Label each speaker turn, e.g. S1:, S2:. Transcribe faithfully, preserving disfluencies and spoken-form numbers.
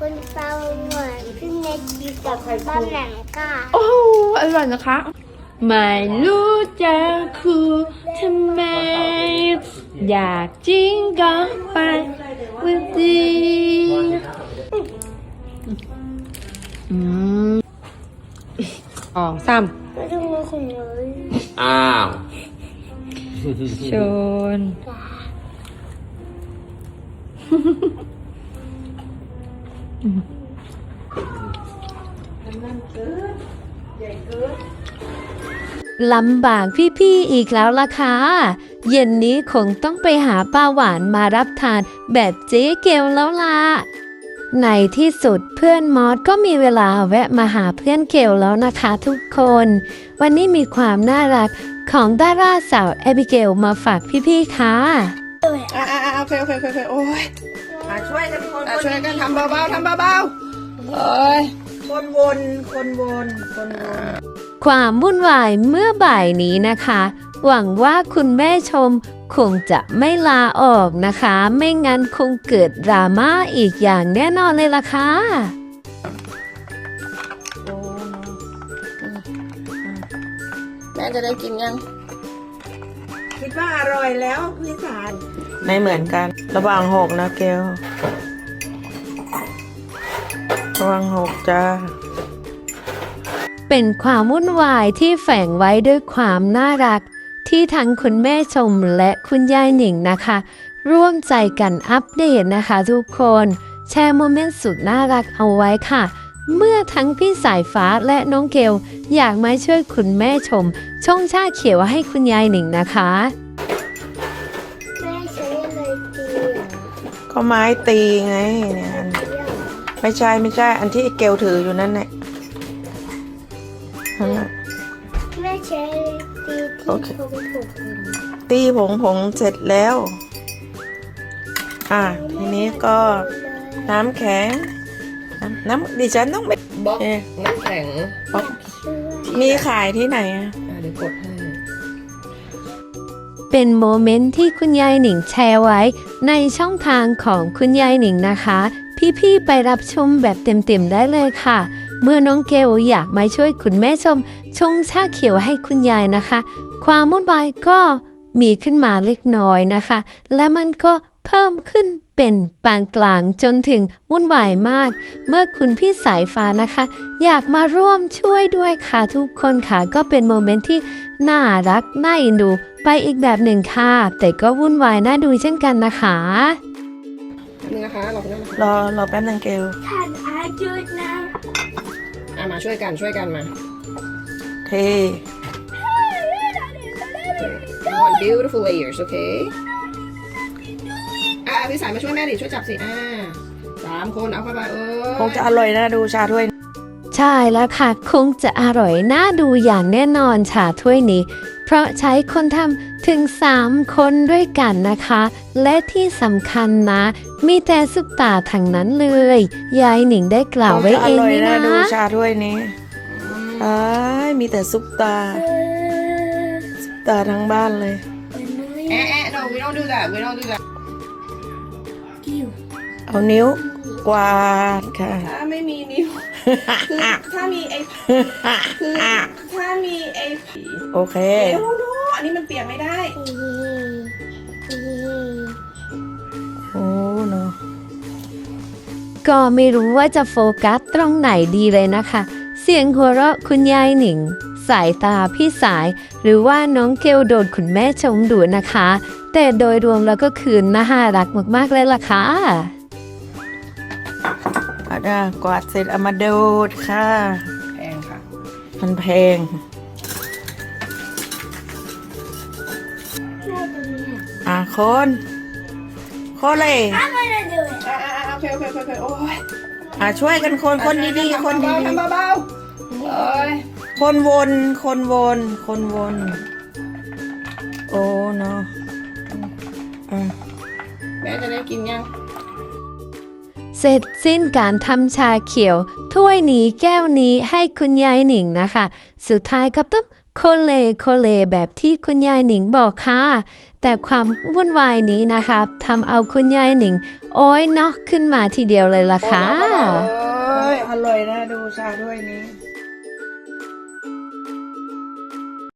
S1: คุณปลาหวานขึ้นในทีกับบ้านหลังค่ะ
S2: โอ้อร่อยนะคะไม่รู้จะคูทำไมอยากจริงก็ไปวิธีอืมสองสาม
S1: ไม่ต้องมาของเลย
S3: อ้าว
S2: ชนลำบากพี่ๆอีกแล้วล่ะค่ะเย็นนี้คงต้องไปหาป้าหวานมารับทานแบบเจ๊เกลแล้วล่ะในที่สุดเพื่อนมอสก็มีเวลาแวะมาหาเพื่อนเกลแล้วนะคะทุกคนวันนี้มีความน่ารักของดาราสาวแอบิเกลมาฝากพี่ๆค่ะ
S4: อ่าอ่าโอเคโอเคโอเคโอ้ยมาช่วยกันคนช่วยกันทำเบาๆทำเบาๆเอ้ยคนวนคนวนคนวน
S2: ความวุ่นวายเมื่อบ่ายนี้นะคะหวังว่าคุณแม่ชมคงจะไม่ลาออกนะคะไม่งั้นคงเกิดดราม่าอีกอย่างแน่นอนเลยล่ะค่ะ
S4: แม่จะได้กินยังคิดว่าอร่อยแล้วพี่สารไม่เหมือนกันระวังหกนะเกลระวังหกจ้า
S2: เป็นความวุ่นวายที่แฝงไว้ด้วยความน่ารักที่ทั้งคุณแม่ชมและคุณยายหนิงนะคะร่วมใจกันอัปเดตนะคะทุกคนแชร์โมเมนต์สุดน่ารักเอาไว้ค่ะเมื่อทั้งพี่สายฟ้าและน้องเกลอยากมาช่วยคุณแม่ชมชงชาเขียวให้คุณยายหนิงนะคะ
S1: แม่ใช้อะไรตีอ่ะ
S4: ก็ไม้ตีไงเนี่ยไม่ใช่ไม่ใช่อันที่เกลถืออยู่นั่นแหละ
S1: แม่ใช้ตีที่ผมถูก
S4: ตีผงผงเสร็จแล้วอ่ะทีนี้ก็น้ำแข็งน้ำน้ำดิฉันต้องไป
S3: บล็อกน้ำแข็ง
S4: บล็อกมีขายที่ไหนอ่ะ
S3: เดี๋ยวกดให้
S2: เป็นโมเมนต์ที่คุณยายหนิงแชร์ไว้ในช่องทางของคุณยายหนิงนะคะพี่ๆไปรับชมแบบเต็มๆได้เลยค่ะเมื่อน้องเกลอยากมาช่วยคุณแม่ชมชงชาเขียวให้คุณยายนะคะความวุ่นวายก็มีขึ้นมาเล็กน้อยนะคะและมันก็เพิ่มขึ้นเป็นปานกลางจนถึงวุ่นวายมากเมื่อคุณพี่สายฟ้านะคะอยากมาร่วมช่วยด้วยค่ะทุกคนค่ะก็เป็นโมเมนต์ที่น่ารักน่าเอ็นดูไปอีกแบบหนึ่งค่ะแต่ก็วุ่นวายน่าดูเช่นกันนะคะ
S3: นี่นะคะรอคุณ
S4: รอรอแป๊บนึงเกล
S1: ท่านอาจุดนะ
S3: อ่ะมาช่วยกันช่วยกันมา
S4: เท
S3: one beautiful layers okay อ่ะพี่สายมาช่วยแม่ดิช่วยจับสิอ่าสามคนเอาเข้าไปเออ
S4: คงจะอร่อยนะดูชาถ้วย
S2: ใช่แล้วค่ะคงจะอร่อยน่าดูอย่างแน่นอนชาถ้วยนี้เพราะใช้คนทำถึงสามคนด้วยกันนะคะและที่สำคัญนะมีแต่ซุปตาทั้งนั้นเลยยายหนิงได้กล่าวไว้เองนี่นะ
S4: ดูชาถ้วยนี้อ้ายมีแต่ซุปตาซุปตาทั้งบ้านเลย
S3: เอ๊ะ no we don't do that we don't do that
S4: เอานิ้วกวาดค่ะ
S3: ถ้าไม่มีนิ้วคือถ้ามีไอ้คือถ้ามีไอ้
S4: โอเค
S3: เดี๋ยวดูอันนี้มันเปียกไม่ได้
S4: โอ้เนาะ
S2: ก็ไม่รู้ว่าจะโฟกัสตรงไหนดีเลยนะคะเสียงหัวเราะคุณยายหนิงสายตาพี่สายหรือว่าน้องเกลโดนคุณแม่ชมดุนะคะแต่โดยรวมแล้วก็คือน่ารักมากๆเลยล่ะค่ะ
S4: อ่ะได้กวาดเสร็จเอามาดูดค่ะ
S3: แพงค่ะ
S4: มันแพงอ่ะคนคนเลย
S3: อ่าโอเคโอเคโอเคโอ้ย
S4: อ่ะช่วยกันคนคนดีๆคนดี
S3: ๆทำเบาๆเอ้ย
S4: คนวนคนวนคนวนโอ้เนาะ
S3: แม่จะได้กินยัง
S2: เสร็จสิ้นการทำชาเขียวถ้วยนี้แก้วนี้ให้คุณยายหนิงนะคะสุดท้ายก็ต้องโคเลโคเลแบบที่คุณยายหนิงบอกค่ะ แต่ความวุ่นวายนี้นะคะทำเอาคุณยายหนิง โอ้ยเนาะขึ้นมาทีเดียวเลยล่ะค่ะ
S4: เอ้ยอร่อยนะดูชาด้วยนี้